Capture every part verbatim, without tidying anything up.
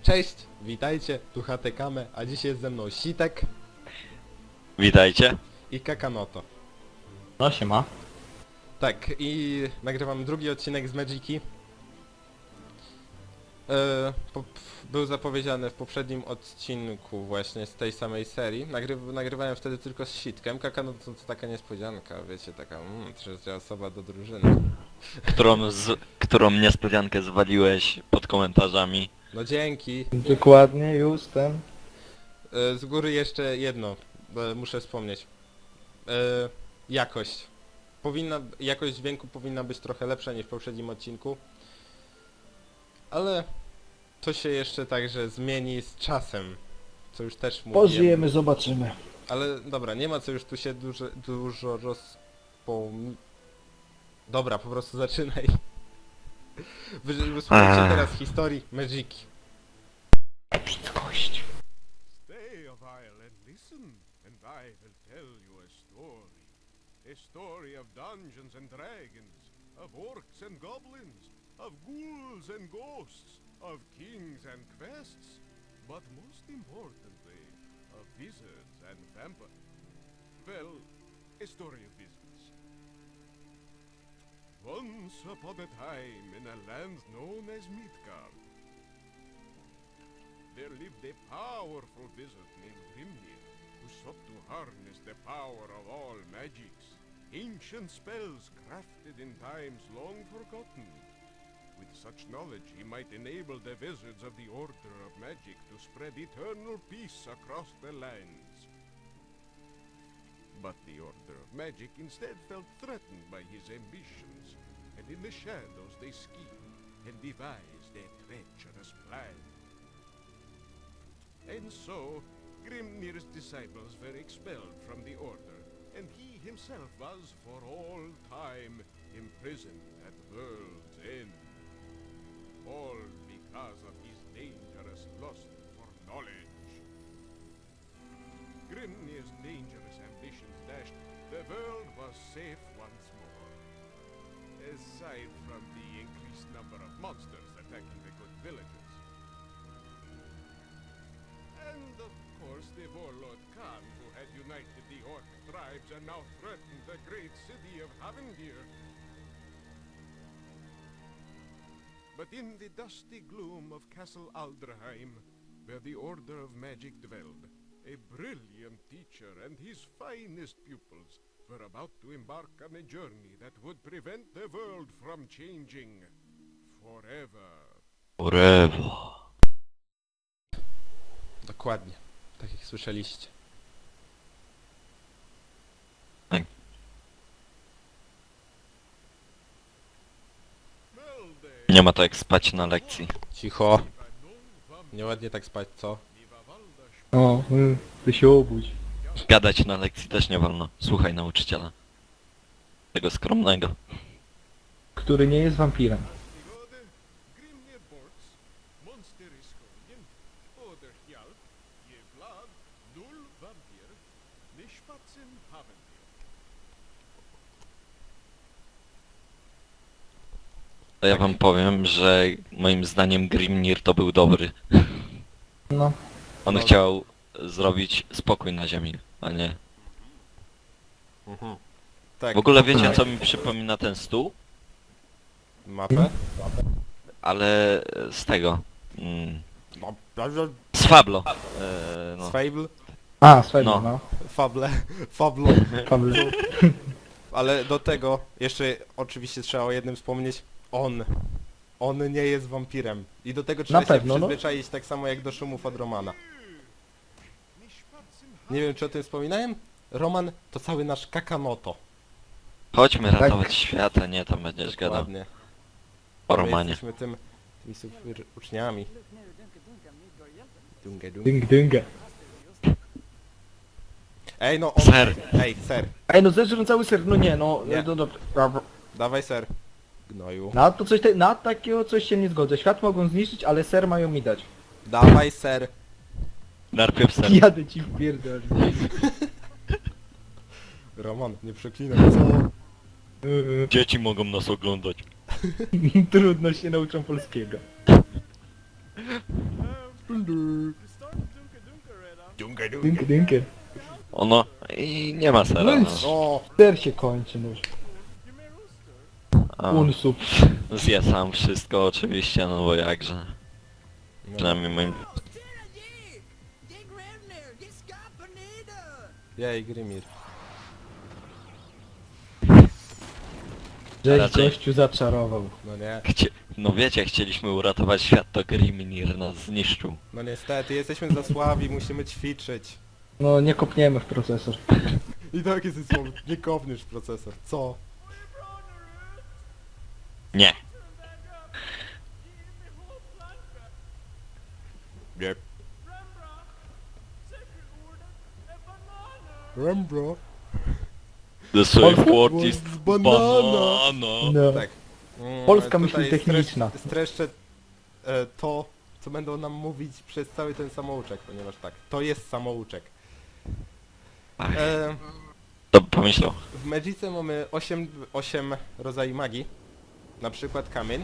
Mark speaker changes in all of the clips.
Speaker 1: Cześć, witajcie, tu Hatekame, a dzisiaj jest ze mną Sitek
Speaker 2: Witajcie.
Speaker 1: i Kakanoto.
Speaker 3: No siema.
Speaker 1: Tak, i nagrywam drugi odcinek z Magiki. E, po, był zapowiedziany w poprzednim odcinku właśnie z tej samej serii. Nagry, nagrywałem wtedy tylko z Sitkiem. Kakanoto to, to taka niespodzianka, wiecie, taka mm, trzecia osoba do drużyny.
Speaker 2: Którą, z, którą niespodziankę zwaliłeś pod komentarzami.
Speaker 1: No dzięki.
Speaker 3: Dokładnie, już ten.
Speaker 1: E, z góry jeszcze jedno, e, muszę wspomnieć. E, jakość. Powinna, jakość dźwięku powinna być trochę lepsza niż w poprzednim odcinku. Ale to się jeszcze także zmieni z czasem. Co już też mówiłem.
Speaker 3: Pożyjemy, zobaczymy.
Speaker 1: Ale dobra, nie ma co już tu się dużo, dużo rozpom... Dobra, po prostu zaczynaj. Wy- Wysłuchajcie
Speaker 2: Ach.
Speaker 1: teraz historii Magiki.
Speaker 3: Epickość.
Speaker 4: Stay a while and listen, and I will tell you a story. A story of dungeons and dragons, of orcs and goblins, of ghouls and ghosts, of kings and quests, but most importantly, of wizards and vampires. Well, a story of wizards. Once upon a time in a land known as Midgard, there lived a powerful wizard named Grimnir, who sought to harness the power of all magics, ancient spells crafted in times long forgotten. With such knowledge, he might enable the wizards of the Order of Magic to spread eternal peace across the lands. But the Order of Magic instead felt threatened by his ambitions, and in the shadows they schemed and devised a treacherous plan. And so, Grimnir's disciples were expelled from the Order, and he himself was for all time imprisoned at World's End. All because of his dangerous lust for knowledge. Grimnir's dangerous ambitions dashed, the world was safe once more. Aside from the increased number of monsters attacking the good villagers. And of course the warlord Khan, who had united the orc tribes and now threatened the great city of Havendir. But in the dusty gloom of Castle Aldraheim, where the Order of Magic dwelled, a brilliant teacher and his finest pupils were about to embark on a journey that would prevent the world from changing forever.
Speaker 2: Forever.
Speaker 1: Dokładnie, tak jak słyszeliście.
Speaker 2: Nie ma to jak spać na lekcji.
Speaker 1: Cicho. Nieładnie tak spać, co?
Speaker 3: O, y, ty się obudź.
Speaker 2: Gadać na lekcji też nie wolno. Słuchaj nauczyciela. Tego skromnego.
Speaker 3: Który nie jest wampirem.
Speaker 4: Grimnir Borts, Monster Iskonian, Oder Hjalp, Jevlad, Dul Vampir, Nishpatsin Havendir.
Speaker 2: To ja wam powiem, że moim zdaniem Grimnir to był dobry.
Speaker 3: No.
Speaker 2: On
Speaker 1: No.
Speaker 2: chciał zrobić spokój na ziemi, a nie...
Speaker 1: Mhm. Tak.
Speaker 2: W ogóle wiecie co mi przypomina ten stół?
Speaker 1: Mapę?
Speaker 2: Ale z tego... Mm,
Speaker 1: No.
Speaker 2: z Fablo. E, no.
Speaker 1: Z Fable?
Speaker 3: A, słuchaj,
Speaker 2: No.
Speaker 3: no.
Speaker 1: Fable. Fablo.
Speaker 3: Pawle.
Speaker 1: Ale do tego jeszcze oczywiście trzeba o jednym wspomnieć. On. On nie jest wampirem. I do tego trzeba
Speaker 3: Na
Speaker 1: się
Speaker 3: pewno, no.
Speaker 1: przyzwyczaić tak samo jak do szumów od Romana.
Speaker 4: Nishpatsin
Speaker 1: Nie wiem czy o tym wspominałem? Roman to cały nasz Kakanoto.
Speaker 2: Chodźmy
Speaker 3: Tak.
Speaker 2: ratować świata, nie tam będziesz gadał.
Speaker 1: Dokładnie.
Speaker 2: O
Speaker 1: My
Speaker 2: Romanie.
Speaker 1: Jesteśmy tym, tymi super uczniami. Dunga, dunga.
Speaker 3: Dynga, dynga.
Speaker 1: Ej no on...
Speaker 2: Ser.
Speaker 1: Ej, ser.
Speaker 3: Ej, no zeżrę cały ser, no nie, no.
Speaker 1: Nie.
Speaker 3: No, dobra.
Speaker 1: Dawaj ser. Gnoju.
Speaker 3: Na to coś, te, na takiego coś się nie zgodzę. Świat mogą zniszczyć, ale ser mają mi dać.
Speaker 1: Dawaj ser.
Speaker 2: Najpierw ser.
Speaker 3: Jadę ci w pierdol.
Speaker 1: Roman, nie przeklinaj, co?
Speaker 3: Y,
Speaker 2: Dzieci mogą nas oglądać.
Speaker 3: Trudno się nauczą polskiego.
Speaker 4: Have
Speaker 3: Dynkę, dynkę.
Speaker 2: Ono i nie ma sera.
Speaker 3: No i
Speaker 2: No.
Speaker 1: O!
Speaker 3: Ser się kończy, no już.
Speaker 2: A,
Speaker 3: Unsup.
Speaker 2: zje sam wszystko oczywiście, no bo jakże.
Speaker 1: No.
Speaker 2: Przynajmniej moim...
Speaker 1: Jej, Grimir.
Speaker 3: Żeś
Speaker 2: Raczej.
Speaker 3: gościu zaczarował.
Speaker 1: No nie.
Speaker 2: Chcie... No wiecie, chcieliśmy uratować świat, to Grimnir nas zniszczył.
Speaker 1: No niestety, jesteśmy za słabi, musimy ćwiczyć.
Speaker 3: No nie kopniemy w procesor.
Speaker 1: I tak jest słowo, nie kopniesz procesor. Co?
Speaker 2: Nie.
Speaker 1: Nie. Rembro.
Speaker 2: The safe
Speaker 3: Polska-
Speaker 2: word is
Speaker 1: Banana.
Speaker 2: banana.
Speaker 3: No.
Speaker 1: Tak. Mm,
Speaker 3: Polska myśl
Speaker 1: tutaj
Speaker 3: techniczna.
Speaker 1: stresz- Streszczę e, to, co będą nam mówić przez cały ten samouczek, ponieważ tak, to jest samouczek.
Speaker 2: Ach,
Speaker 1: E,
Speaker 2: to pomyślał.
Speaker 1: w Magice mamy osiem, osiem rodzajów magii. Na przykład kamień.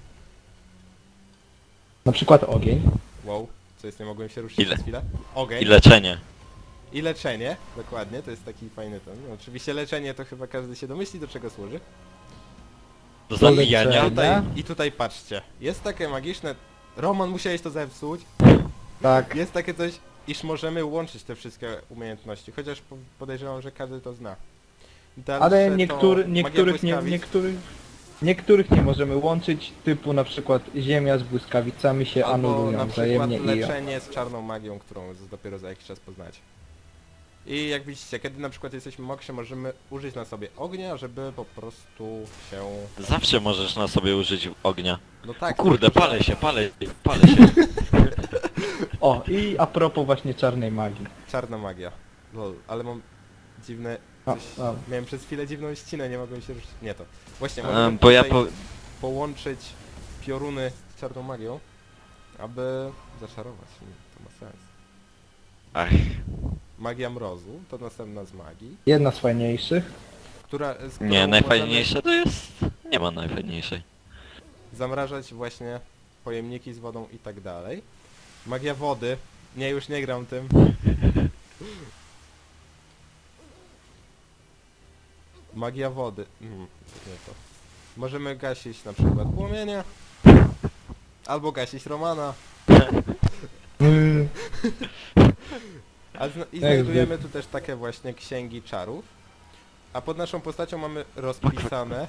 Speaker 3: Na przykład ogień.
Speaker 1: Wow, co jest, nie mogłem się ruszyć
Speaker 2: Ile?
Speaker 1: przez chwilę. Ogień.
Speaker 2: I leczenie.
Speaker 1: I leczenie, dokładnie, to jest taki fajny ten. No, oczywiście leczenie to chyba każdy się domyśli, do czego służy.
Speaker 2: Do
Speaker 3: Do
Speaker 2: zabijania.
Speaker 3: leczenia.
Speaker 1: Tutaj, I tutaj patrzcie, jest takie magiczne... Roman, musiałeś to zepsuć.
Speaker 3: Tak.
Speaker 1: Jest takie coś, iż możemy łączyć te wszystkie umiejętności, chociaż po- podejrzewam, że każdy to zna. Dalsze
Speaker 3: Ale
Speaker 1: to
Speaker 3: niektóry,
Speaker 1: magia
Speaker 3: niektórych, nie,
Speaker 1: błyskawic.
Speaker 3: niektórych, niektórych nie możemy łączyć, typu na przykład ziemia z błyskawicami się
Speaker 1: Albo na
Speaker 3: anulują
Speaker 1: przykład
Speaker 3: wzajemnie i...
Speaker 1: leczenie z czarną magią, którą z- dopiero za jakiś czas poznacie. I jak widzicie, kiedy na przykład jesteśmy mokrzy, możemy użyć na sobie ognia, żeby po prostu się...
Speaker 2: Zawsze możesz na sobie użyć ognia.
Speaker 1: No
Speaker 2: O
Speaker 1: tak,
Speaker 2: kurde,
Speaker 1: tylko, że-
Speaker 2: palę się, palę, palę się.
Speaker 3: O, i a propos właśnie czarnej magii.
Speaker 1: Czarna magia. Lol, ale mam dziwne...
Speaker 3: A,
Speaker 1: Coś...
Speaker 3: a.
Speaker 1: Miałem przez chwilę dziwną ścinę, nie mogłem się ruszyć. Nie to. Właśnie,
Speaker 2: E,
Speaker 1: możemy
Speaker 2: bo ja
Speaker 1: tutaj
Speaker 2: po...
Speaker 1: połączyć pioruny z czarną magią, aby zaczarować. Mm, To ma sens.
Speaker 2: Ach,
Speaker 1: Magia mrozu to następna z magii,
Speaker 3: Jedna z fajniejszych.
Speaker 1: która... Z którą
Speaker 2: nie, najfajniejsze to jest... Nie ma najfajniejszej.
Speaker 1: możemy zamrażać właśnie pojemniki z wodą i tak dalej. Magia wody. Nie, już nie gram tym. Magia wody. Mm, nie to. Możemy gasić na przykład płomienie. Albo gasić Romana. A zna I
Speaker 3: Jak
Speaker 1: znajdujemy tu też takie właśnie księgi czarów. A pod naszą postacią mamy rozpisane,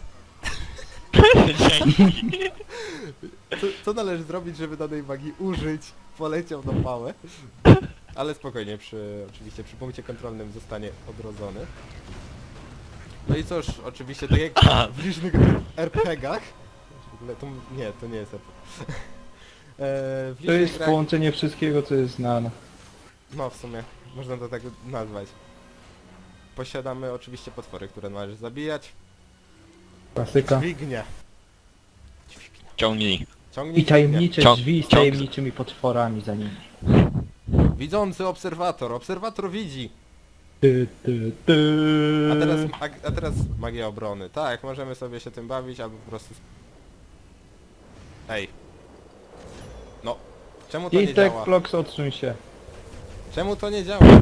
Speaker 1: co, co należy zrobić, żeby danej magii użyć. Poleciał na pałę. Ale spokojnie, przy, oczywiście przy punkcie kontrolnym zostanie odrodzony. No i cóż, oczywiście tak jak
Speaker 2: A.
Speaker 1: w licznych er pe gach... W ogóle to, nie, to nie jest er pe gie. E, w
Speaker 3: To
Speaker 1: licznych
Speaker 3: jest
Speaker 1: grach...
Speaker 3: połączenie wszystkiego, co jest znane.
Speaker 1: No w sumie, można to tak nazwać. Posiadamy oczywiście potwory, które należy zabijać.
Speaker 3: Klasyka.
Speaker 1: Dźwignie. Dźwignia.
Speaker 2: Ciągnij.
Speaker 1: Ciągnij
Speaker 3: I tajemnicze
Speaker 2: Ciąg-
Speaker 3: drzwi z
Speaker 2: ciąg-
Speaker 3: tajemniczymi potworami za nimi.
Speaker 1: dźwignię. Widzący obserwator. Obserwator widzi.
Speaker 3: Ty, ty, ty.
Speaker 1: A teraz, a, a teraz magia obrony. Tak, możemy sobie się tym bawić, albo po prostu... sp- Ej. No. Czemu to nie
Speaker 3: Istek,
Speaker 1: działa?
Speaker 3: Flox, odsuń się.
Speaker 1: Czemu to nie działa?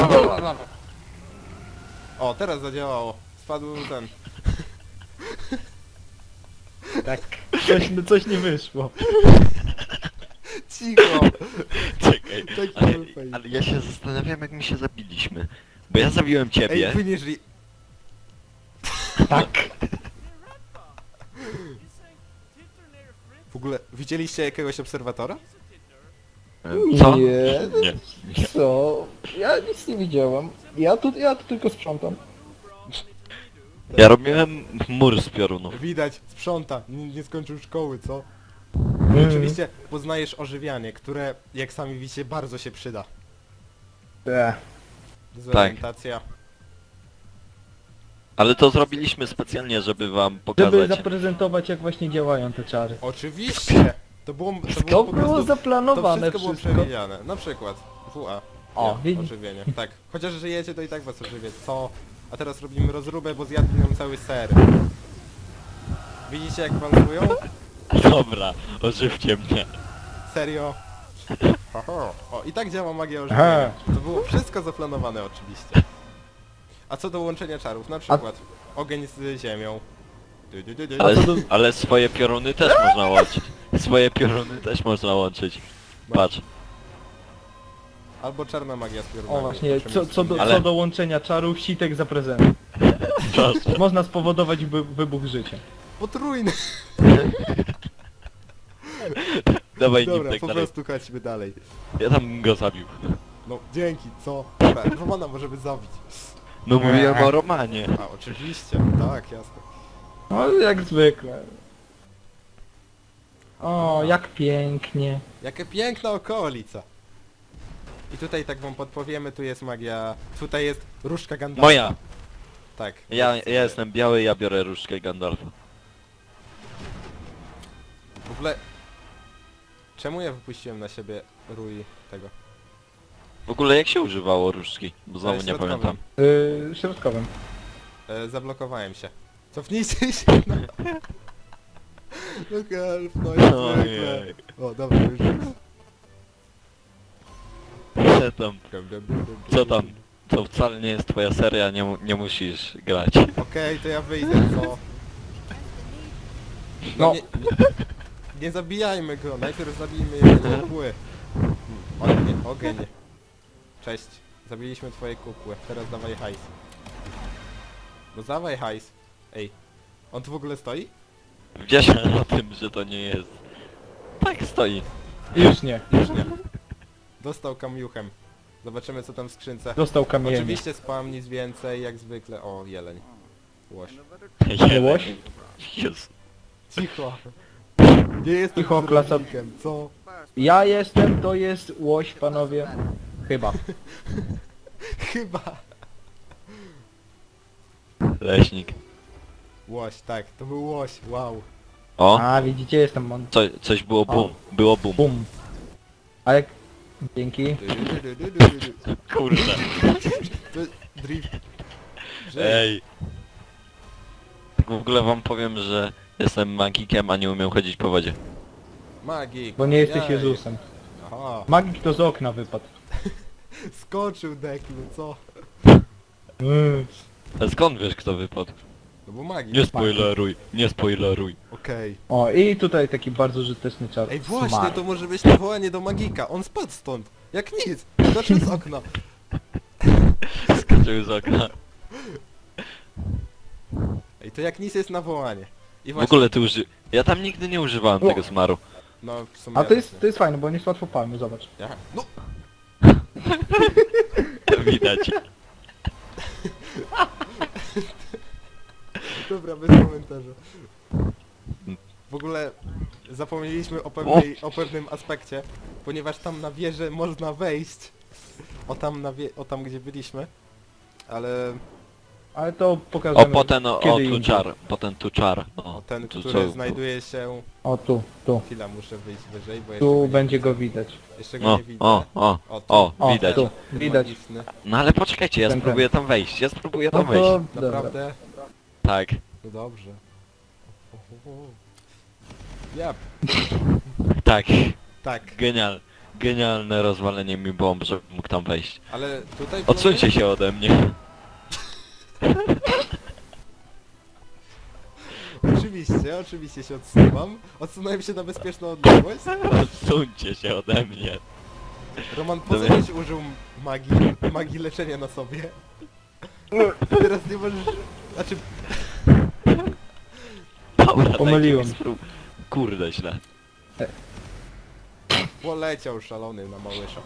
Speaker 1: O, teraz zadziałało. Spadł ten...
Speaker 3: Tak. Coś, no coś nie wyszło.
Speaker 1: Cicho!
Speaker 2: Czekaj,
Speaker 1: Taki
Speaker 2: ale,
Speaker 1: był fajny.
Speaker 2: ale ja się zastanawiam, jak my się zabiliśmy. Bo ja zabiłem ciebie.
Speaker 1: Ej, wynieśli...
Speaker 3: Tak.
Speaker 1: W ogóle, widzieliście jakiegoś obserwatora?
Speaker 2: E, Co?
Speaker 3: Nie.
Speaker 2: Nie. nie.
Speaker 3: Co? Ja nic nie widziałam. Ja tu, ja tu tylko sprzątam.
Speaker 2: Ja robiłem mur z piorunów.
Speaker 1: Widać, sprząta, nie, nie skończył szkoły, co?
Speaker 3: Mm.
Speaker 1: Oczywiście poznajesz ożywianie, które, jak sami widzicie, bardzo się przyda.
Speaker 3: Ech.
Speaker 1: Dezorientacja.
Speaker 2: Ale to zrobiliśmy specjalnie, żeby wam
Speaker 3: Żeby
Speaker 2: pokazać.
Speaker 3: zaprezentować, jak właśnie działają te czary.
Speaker 1: Oczywiście! To było, to
Speaker 3: To
Speaker 1: było po
Speaker 3: było
Speaker 1: prostu... To
Speaker 3: zaplanowane
Speaker 1: wszystko było
Speaker 3: wszystko.
Speaker 1: przewidziane. Na przykład W A.
Speaker 3: O,
Speaker 1: Nie,
Speaker 3: widzi-
Speaker 1: ożywienie. Tak. Chociaż żyjecie, to i tak was ożywię. Co? A teraz robimy rozróbę, bo zjadł nam cały ser. Widzicie jak walcują?
Speaker 2: Dobra, ożywcie mnie.
Speaker 1: Serio? Ho, ho. O, i tak działa magia
Speaker 3: Aha.
Speaker 1: ożywienia. To było wszystko zaplanowane oczywiście. A co do łączenia czarów, na przykład ogień z ziemią. Du, du, du, du.
Speaker 2: Ale,
Speaker 3: co do-
Speaker 2: ale swoje pioruny też można łączyć. Swoje pioruny też można łączyć. Patrz.
Speaker 1: Albo czarna magia z piorunami.
Speaker 3: O właśnie, co, co, do,
Speaker 2: Ale-
Speaker 3: co do łączenia czarów, sitek za prezent.
Speaker 2: Proszę.
Speaker 3: Można spowodować wy, wybuch życia.
Speaker 1: Potrójny!
Speaker 2: Dawaj nim
Speaker 1: Dobra,
Speaker 2: tak
Speaker 1: po
Speaker 2: dalej.
Speaker 1: prostu chodźmy dalej.
Speaker 2: Ja tam bym go zabił.
Speaker 1: No, dzięki, co? Dobra, Romana możemy zabić.
Speaker 2: No mówiłem o Romanie.
Speaker 1: A, oczywiście, tak, jasne.
Speaker 3: No jak zwykle. O, jak pięknie.
Speaker 1: Jakie piękna okolica. I tutaj tak wam podpowiemy, tu jest magia... Tutaj jest różdżka Gandalfa.
Speaker 2: Moja.
Speaker 1: Tak.
Speaker 2: Ja, ja jestem biały, ja biorę różdżkę Gandalfa.
Speaker 1: W ogóle... Czemu ja wypuściłem na siebie rój tego?
Speaker 2: W ogóle jak się używało różdżki? Bo znowu nie
Speaker 1: środkowym.
Speaker 2: pamiętam.
Speaker 3: Yy, środkowym.
Speaker 1: E, zablokowałem się. Cofnijcie się na... No help, no jak zwykle.
Speaker 2: Ojej.
Speaker 1: O, dobra, już.
Speaker 2: Co tam? Co tam? To wcale nie jest twoja seria, nie, mu- nie musisz grać.
Speaker 1: Okej, to ja wyjdę, co? No,
Speaker 3: No.
Speaker 1: Nie, nie, nie zabijajmy go, najpierw zabijmy jego kukły. Ogień, ogień. Cześć, zabiliśmy twoje kukły, teraz dawaj hajs. No dawaj hajs. Ej, on tu w ogóle stoi?
Speaker 2: Wiesz o tym, że to nie jest. Tak stoi.
Speaker 3: Już nie.
Speaker 1: Już nie. Dostał kamiuchem. Zobaczymy co tam w skrzynce.
Speaker 3: Dostał kamienie.
Speaker 1: Oczywiście spam, nic więcej, jak zwykle. O, jeleń. Łoś.
Speaker 3: Łoś?
Speaker 2: Jezu.
Speaker 1: Cicho. Nie jestem
Speaker 3: Cicho, klasa-
Speaker 1: kierownikiem, co?
Speaker 3: Ja jestem, to jest łoś, panowie. Chyba.
Speaker 1: Chyba.
Speaker 2: Leśnik.
Speaker 1: Łoś, tak, to był łoś, wow.
Speaker 2: O!
Speaker 3: A, widzicie, jestem mon...
Speaker 2: Co, coś było bum. Było bum.
Speaker 3: Bum. A jak... Dzięki.
Speaker 1: Du, du, du, du, du, du, du.
Speaker 2: Kurde.
Speaker 1: To drift. Żyj.
Speaker 2: Ej. Tak w ogóle wam powiem, że jestem magikiem, a nie umiem chodzić po wodzie.
Speaker 1: Magik.
Speaker 3: Bo nie jesteś
Speaker 1: Jaj.
Speaker 3: Jezusem.
Speaker 1: Aha.
Speaker 3: Magik to z okna wypadł.
Speaker 1: Skoczył Deklu, co?
Speaker 3: Mm.
Speaker 2: A skąd wiesz kto wypadł?
Speaker 1: No bo magik.
Speaker 2: Nie spoileruj, nie spoileruj.
Speaker 1: Okej.
Speaker 3: O, i tutaj taki bardzo użyteczny czar.
Speaker 1: Ej właśnie,
Speaker 3: Smart.
Speaker 1: to może być nawołanie do magika. On spadł stąd. Jak nic. Skoczył z okna.
Speaker 2: Skoczył z okna.
Speaker 1: Ej, to jak nic jest nawołanie. I
Speaker 2: W
Speaker 1: właśnie...
Speaker 2: ogóle ty uży... Ja tam nigdy nie używałem
Speaker 3: O.
Speaker 2: tego smaru.
Speaker 1: No w sumie...
Speaker 3: A to
Speaker 1: ja
Speaker 3: jest,
Speaker 1: też
Speaker 3: to jest fajne, bo nie jest łatwo palmy, zobacz.
Speaker 1: nie. Ja? No!
Speaker 2: Widać.
Speaker 1: Dobra, bez komentarza. W ogóle zapomnieliśmy o, pewnej, o pewnym aspekcie, ponieważ tam na wieżę można wejść. O tam, na wie, o tam gdzie byliśmy. Ale
Speaker 3: Ale to pokażemy
Speaker 2: O, potem o,
Speaker 3: kiedy
Speaker 2: o tu
Speaker 3: indziej.
Speaker 2: czar. Potem tu czar. O,
Speaker 1: o ten,
Speaker 2: tu
Speaker 1: który
Speaker 2: co-
Speaker 1: znajduje się...
Speaker 3: O, tu, tu.
Speaker 1: Chwila, muszę wyjść wyżej, bo jeszcze
Speaker 3: Tu
Speaker 1: go nie
Speaker 3: będzie
Speaker 1: widzę.
Speaker 3: go widać.
Speaker 1: Jeszcze go
Speaker 2: O,
Speaker 1: nie widzę.
Speaker 2: o, o,
Speaker 1: O, tu.
Speaker 2: o,
Speaker 3: O,
Speaker 2: widać.
Speaker 3: tu, widać.
Speaker 1: Magiczny.
Speaker 2: No ale poczekajcie, ja
Speaker 3: Ten, ten.
Speaker 2: spróbuję tam wejść. Ja spróbuję
Speaker 3: No
Speaker 2: tam wejść.
Speaker 3: to... Dobra.
Speaker 1: Naprawdę?
Speaker 2: Tak.
Speaker 1: No dobrze. O, o, o. Ja,
Speaker 2: Tak.
Speaker 1: tak,
Speaker 2: Genial. Genialne rozwalenie mi bomb, żebym mógł tam wejść.
Speaker 1: ale tutaj...
Speaker 2: Odsuńcie się ode mnie.
Speaker 1: Oczywiście, oczywiście się odsuwam. Odsunąłem się na bezpieczną odległość.
Speaker 2: Odsuńcie się ode mnie.
Speaker 1: Roman, po co
Speaker 2: Dobra.
Speaker 1: żeś użył magii, magii leczenia na sobie? Teraz nie możesz... Znaczy,
Speaker 2: Dobra, dajcie
Speaker 3: Pomyliłem.
Speaker 2: mi sprób- Kurde, źle.
Speaker 1: poleciał szalony na małysza.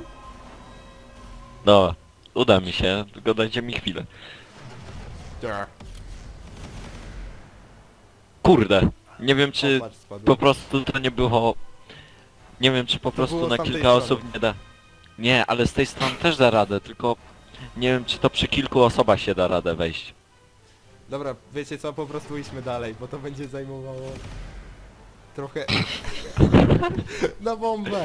Speaker 2: Dobra. Uda mi się, tylko dajcie mi chwilę.
Speaker 1: Tak.
Speaker 2: Kurde. Nie wiem czy
Speaker 1: Opatrz, spadł.
Speaker 2: po prostu to nie było... Nie wiem czy po prostu
Speaker 1: było z
Speaker 2: na
Speaker 1: tamtej
Speaker 2: kilka
Speaker 1: strony.
Speaker 2: osób nie da... Nie, ale z tej strony też da radę, tylko... Nie wiem czy to przy kilku osobach się da radę wejść.
Speaker 1: Dobra, wiecie co, po prostu idźmy dalej, bo to będzie zajmowało... Trochę... Na bombę!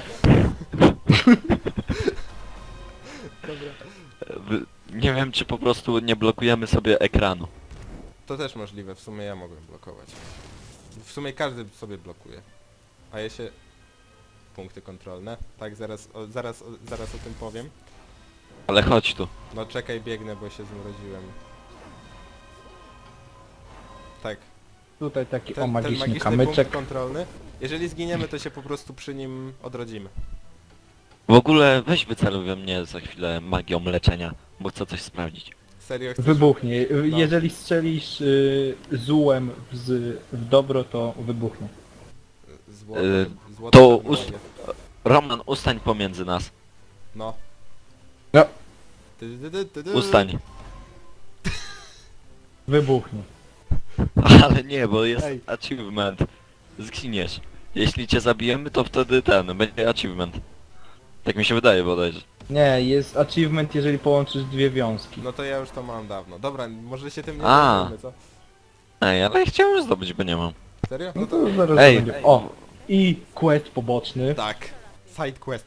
Speaker 1: Dobra.
Speaker 2: W- Nie wiem czy po prostu nie blokujemy sobie ekranu.
Speaker 1: To też możliwe, w sumie ja mogłem blokować. W sumie każdy sobie blokuje. A ja się... punkty kontrolne. Tak, zaraz, o, zaraz, o, zaraz o tym powiem.
Speaker 2: Ale chodź tu.
Speaker 1: No czekaj, biegnę, bo się zmroziłem. Tak,
Speaker 3: Tutaj taki o
Speaker 1: ten, ten
Speaker 3: magiczny
Speaker 1: magiczny
Speaker 3: kamyczek.
Speaker 1: punkt kontrolny. Jeżeli zginiemy, to się po prostu przy nim odrodzimy.
Speaker 2: W ogóle weź wyceluj we mnie za chwilę magią leczenia, bo chcę coś sprawdzić.
Speaker 1: Serio chcesz?
Speaker 3: Wybuchnie.
Speaker 1: No.
Speaker 3: Jeżeli strzelisz y, zółem w, z, w dobro, to wybuchnie.
Speaker 1: Złoto,
Speaker 2: Y,
Speaker 1: złoto
Speaker 2: to
Speaker 1: pewno
Speaker 2: ust-
Speaker 1: jest.
Speaker 2: Roman, ustań pomiędzy nas.
Speaker 1: No.
Speaker 3: No.
Speaker 1: Ty, ty, ty, ty, ty.
Speaker 2: Ustań.
Speaker 3: Wybuchnie.
Speaker 2: Ale nie, bo jest
Speaker 1: Ej.
Speaker 2: achievement. Zginiesz. Jeśli cię zabijemy, to wtedy ten, będzie achievement. Tak mi się wydaje bodajże.
Speaker 3: Nie, jest achievement, jeżeli połączysz dwie wiązki.
Speaker 1: No to ja już to mam dawno. Dobra, może się tym nie
Speaker 2: A.
Speaker 1: zajmujmy, co?
Speaker 2: Ej, ale chciałem zdobyć, bo nie mam.
Speaker 1: Serio?
Speaker 3: No
Speaker 1: No
Speaker 3: to
Speaker 1: to...
Speaker 3: zaraz
Speaker 2: Ej.
Speaker 3: będzie. O! I quest poboczny.
Speaker 1: Tak. Side quest.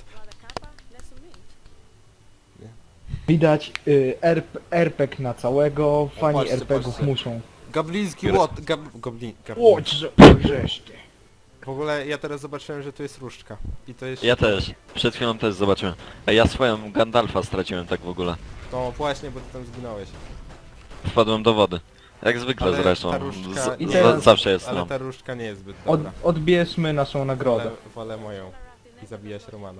Speaker 3: Widać y, RP, RPG na całego. Fani
Speaker 1: patrzcie,
Speaker 3: er pe gów
Speaker 1: patrzcie.
Speaker 3: muszą.
Speaker 1: Gabliński
Speaker 2: Gry.
Speaker 1: łot. Gab... Goblin... Gablin.
Speaker 3: Łódź, że wreszcie.
Speaker 1: W ogóle ja teraz zobaczyłem, że tu jest różdżka. I to jest...
Speaker 2: Ja też. Przed chwilą też zobaczyłem. Ej, ja swoją Gandalfa straciłem tak w ogóle.
Speaker 1: No właśnie, bo ty tam zginąłeś.
Speaker 2: Wpadłem do wody. Jak zwykle
Speaker 1: Ale
Speaker 2: zresztą.
Speaker 1: ta różdżka-
Speaker 2: Z,
Speaker 3: I
Speaker 2: z,
Speaker 3: teraz-
Speaker 2: zawsze jest
Speaker 1: Ale
Speaker 2: no.
Speaker 1: ta różdżka nie jest zbyt
Speaker 3: Od,
Speaker 1: dobra.
Speaker 3: odbierzmy naszą
Speaker 1: Wolę,
Speaker 3: nagrodę.
Speaker 1: wolę moją. I zabijać Romana.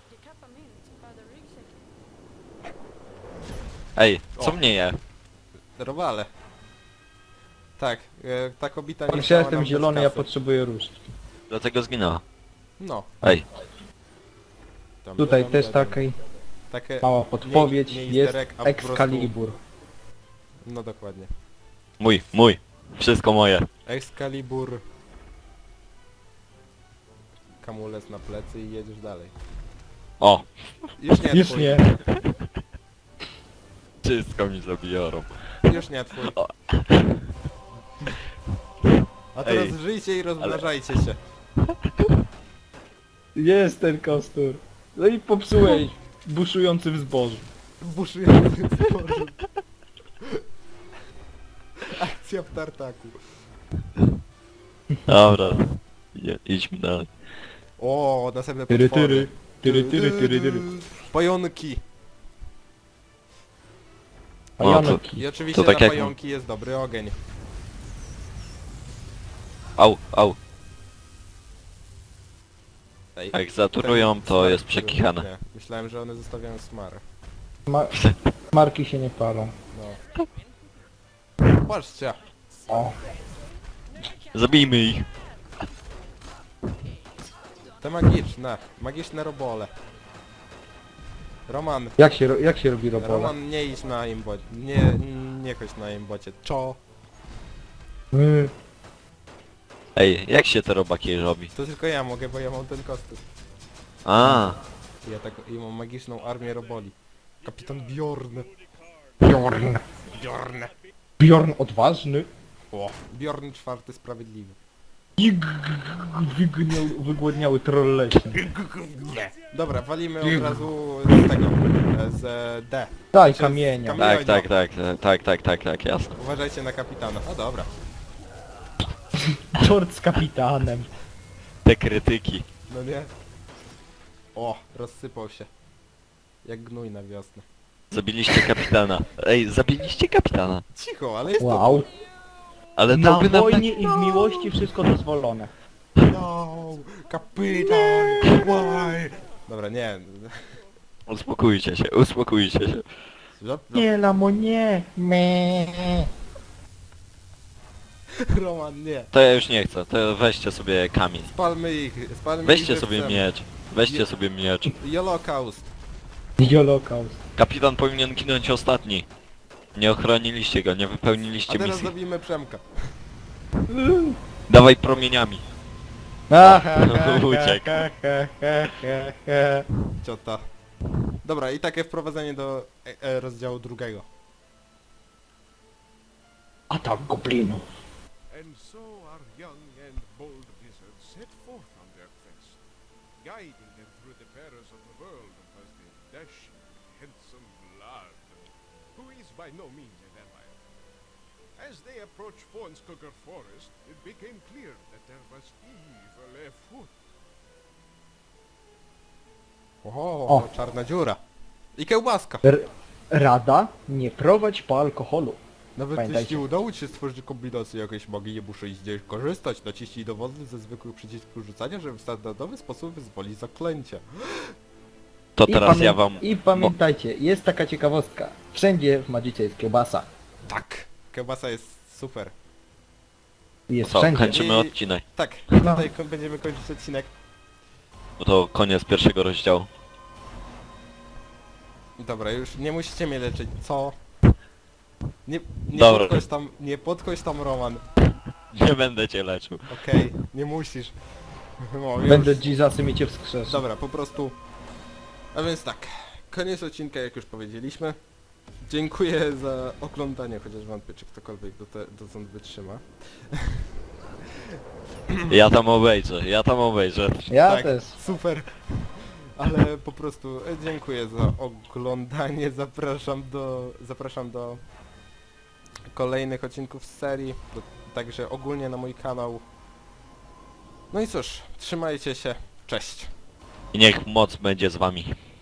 Speaker 2: Ej, co
Speaker 1: O.
Speaker 2: mnie je?
Speaker 1: Robale. Tak, e, ta kobita nie
Speaker 3: Patrz, ja
Speaker 1: chciała
Speaker 3: jestem
Speaker 1: nam
Speaker 3: zielony,
Speaker 1: dać
Speaker 3: ja
Speaker 1: kasy.
Speaker 3: potrzebuję różdżki.
Speaker 2: Dlatego zginęła.
Speaker 1: No.
Speaker 2: Ej,
Speaker 1: Tam,
Speaker 3: Tutaj
Speaker 1: tam,
Speaker 3: też
Speaker 1: tam, tam.
Speaker 3: taka
Speaker 1: Takie...
Speaker 3: mała podpowiedź.
Speaker 1: nie
Speaker 3: Jest
Speaker 1: easter egg, a po prostu-
Speaker 3: Excalibur.
Speaker 1: No dokładnie.
Speaker 2: mój, mój. Wszystko moje.
Speaker 1: Excalibur. Kamulec na plecy i jedziesz dalej.
Speaker 2: O,
Speaker 1: Już nie
Speaker 3: Już
Speaker 1: twój.
Speaker 3: nie.
Speaker 2: wszystko mi zabiorą.
Speaker 1: Już nie twój.
Speaker 2: O.
Speaker 1: A teraz
Speaker 2: Ej,
Speaker 1: żyjcie i rozmnażajcie się.
Speaker 3: Jest ten kostur. No i popsułeś. Buszujący w zbożu.
Speaker 1: Buszujący sporzu. Akcja w tartaku.
Speaker 2: Dobra. Je, idźmy dalej.
Speaker 1: O, następne
Speaker 3: Tyry,
Speaker 1: potwory.
Speaker 3: tyry. Tyry, tyry, tyry, tyry.
Speaker 1: Pająki.
Speaker 2: No, to-
Speaker 3: Pająki.
Speaker 1: I oczywiście
Speaker 2: To tak
Speaker 1: na
Speaker 2: jak-
Speaker 1: pająki jest dobry ogień.
Speaker 2: Au, au.
Speaker 1: Ej,
Speaker 2: Jak zaturują,
Speaker 1: ten
Speaker 2: to
Speaker 1: smar,
Speaker 2: jest
Speaker 1: który-
Speaker 2: przekichane.
Speaker 1: Nie, myślałem, że one zostawiają smarę.
Speaker 3: Ma marki się nie palą.
Speaker 1: No. Patrzcie.
Speaker 3: O.
Speaker 2: Zabijmy ich.
Speaker 1: Te magiczne. Magiczne robole. Roman.
Speaker 3: Jak się, ro- jak się robi robola?
Speaker 1: Roman, nie idź na imbocie. Nie, nie chodź na imbocie. Czo.
Speaker 3: My.
Speaker 2: Ej, jak się te robaki robi?
Speaker 1: To tylko ja mogę, bo ja mam ten kostium.
Speaker 2: A,
Speaker 1: I ja tak, i mam magiczną armię roboli. Kapitan Bjorn.
Speaker 3: Bjorn.
Speaker 1: Bjorn.
Speaker 3: Bjorn odważny.
Speaker 1: O. Bjorn czwarty sprawiedliwy.
Speaker 3: I g- g- wygniał, wygłodniały troll leśny.
Speaker 1: Dobra, walimy od razu z tego. e, Z e, D.
Speaker 3: Daj
Speaker 1: Czy z
Speaker 3: kamienia.
Speaker 1: kamienia?
Speaker 2: tak, tak, tak, tak, tak, tak, tak, jasne.
Speaker 1: Uważajcie na kapitana. A dobra.
Speaker 3: Czort z kapitanem.
Speaker 2: Te krytyki.
Speaker 1: No nie. O, rozsypał się. Jak gnój na wiosnę.
Speaker 2: Zabiliście kapitana. Ej, zabiliście kapitana.
Speaker 1: Cicho, ale jest
Speaker 3: Wow.
Speaker 2: Ale
Speaker 3: Na
Speaker 2: to by nam...
Speaker 3: wojnie i w miłości wszystko dozwolone.
Speaker 1: to... No, kapitan, why? Dobra, nie.
Speaker 2: Uspokójcie się, uspokójcie się.
Speaker 1: Zop, zop.
Speaker 3: Nie, lamo, nie. Me.
Speaker 1: Roman, nie.
Speaker 2: To ja już nie chcę, to weźcie sobie kamień.
Speaker 1: Spalmy ich, spalmy
Speaker 2: Weźcie
Speaker 1: ich
Speaker 2: sobie
Speaker 1: żywcem.
Speaker 2: miecz. Weźcie
Speaker 1: Je-
Speaker 2: sobie miecz.
Speaker 1: Holocaust.
Speaker 3: Holokaust.
Speaker 2: Kapitan powinien ginąć ostatni. Nie ochroniliście go, nie
Speaker 1: A
Speaker 2: wypełniliście
Speaker 1: teraz
Speaker 2: misji.
Speaker 1: zabijmy Przemka.
Speaker 2: Dawaj promieniami. Uciekł.
Speaker 1: Ciota. Dobra, i takie wprowadzenie do e, e, rozdziału drugiego.
Speaker 3: Atak goblinów.
Speaker 4: And so our young and bold wizards set forth on their quest, guiding them through the perils of the world was the dashing, handsome Vlad, who is by no means a vampire. As they approached Fornskugger Forest, it became clear that there was evil afoot.
Speaker 1: O,
Speaker 3: O.
Speaker 1: czarna dziura. I kiełbaska.
Speaker 3: R Rada, nie prowadź po alkoholu.
Speaker 1: Nawet
Speaker 3: Pamiętajcie.
Speaker 1: jeśli udało ci się stworzyć kombinację jakiejś magii, nie muszę z niej korzystać. Naciśnij dowolny ze zwykłych przycisków rzucania, żeby w standardowy sposób wyzwolić zaklęcie.
Speaker 2: To
Speaker 3: I
Speaker 2: teraz
Speaker 3: pamię-
Speaker 2: ja wam...
Speaker 3: I pamiętajcie, jest taka ciekawostka. Wszędzie w Magicie jest kiełbasa.
Speaker 1: Tak. Kiełbasa jest super.
Speaker 3: Jest
Speaker 2: Co,
Speaker 3: wszędzie.
Speaker 2: kończymy
Speaker 1: I-
Speaker 2: odcinek.
Speaker 1: Tak,
Speaker 3: No.
Speaker 1: tutaj ko- będziemy kończyć odcinek.
Speaker 2: Bo to koniec pierwszego rozdziału.
Speaker 1: Dobra, już nie musicie mnie leczyć. Co? Nie, nie
Speaker 2: Dobra.
Speaker 1: podchodź tam, nie podchodź tam, Roman.
Speaker 2: Nie będę cię leczył.
Speaker 1: Okej, nie musisz. No, już.
Speaker 3: Będę Jesusem i cię wskrzeszę.
Speaker 1: Dobra, po prostu... A więc tak, koniec odcinka, jak już powiedzieliśmy. Dziękuję za oglądanie, chociaż wątpię, czy ktokolwiek do te, dotąd wytrzyma.
Speaker 2: Ja tam obejrzę, ja tam obejrzę.
Speaker 3: Ja
Speaker 1: tak,
Speaker 3: też.
Speaker 1: super. Ale po prostu e, dziękuję za oglądanie, zapraszam do... zapraszam do kolejnych odcinków z serii, do, także ogólnie na mój kanał. No i cóż, trzymajcie się, cześć.
Speaker 2: I niech moc będzie z wami.